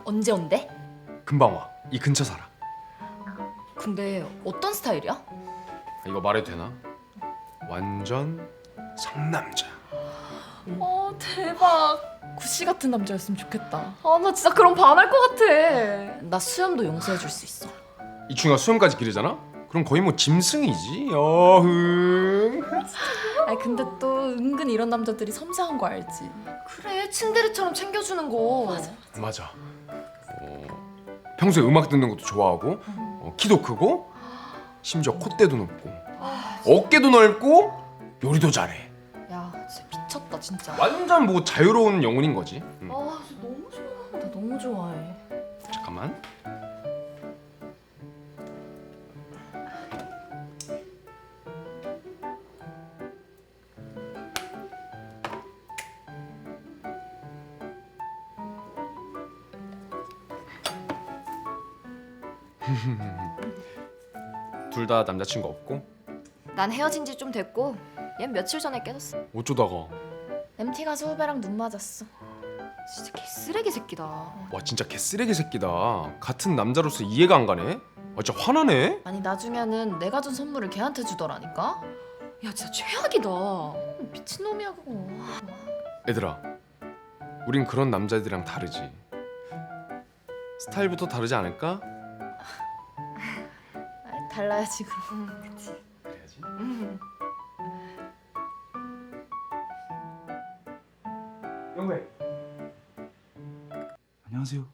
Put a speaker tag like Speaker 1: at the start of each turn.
Speaker 1: 언제 온대?
Speaker 2: 금방 와. 이 근처 살아.
Speaker 1: 근데 어떤 스타일이야?
Speaker 2: 이거 말해도 되나? 완전 상남자.
Speaker 1: 대박. 구씨 같은 남자였으면 좋겠다. 나 진짜 그럼 반할 것 같아. 나 수염도 용서해 줄 수 있어.
Speaker 2: 이 친구가 수염까지 기르잖아? 그럼 거의 뭐 짐승이지. 어흥.
Speaker 1: 근데 또 은근 이런 남자들이 섬세한 거 알지? 그래, 츤데레처럼 챙겨주는 거.
Speaker 2: 맞아. 평소에 음악 듣는 것도 좋아하고, 키도 크고, 심지어 콧대도 높고, 어깨도 넓고, 요리도 잘해.
Speaker 1: 야, 진짜 미쳤다 진짜.
Speaker 2: 완전 뭐 자유로운 영혼인 거지.
Speaker 1: 진짜 너무 좋아. 나 너무 좋아해.
Speaker 2: 잠깐만. 둘 다 남자친구 없고?
Speaker 1: 난 헤어진 지 좀 됐고, 얜 며칠 전에 깨졌어.
Speaker 2: 어쩌다가.
Speaker 1: MT 가서 후배랑 눈 맞았어. 진짜 개쓰레기 새끼다.
Speaker 2: 와 진짜 개쓰레기 새끼다. 같은 남자로서 이해가 안 가네. 진짜 화나네.
Speaker 1: 아니 나중에는 내가 준 선물을 걔한테 주더라니까. 야 진짜 최악이다. 미친놈이야 그거.
Speaker 2: 얘들아, 우린 그런 남자들이랑 다르지. 스타일부터 다르지 않을까?
Speaker 1: 달라야지 그럼. 그치.
Speaker 2: 그래야지. 영배.
Speaker 3: 안녕하세요.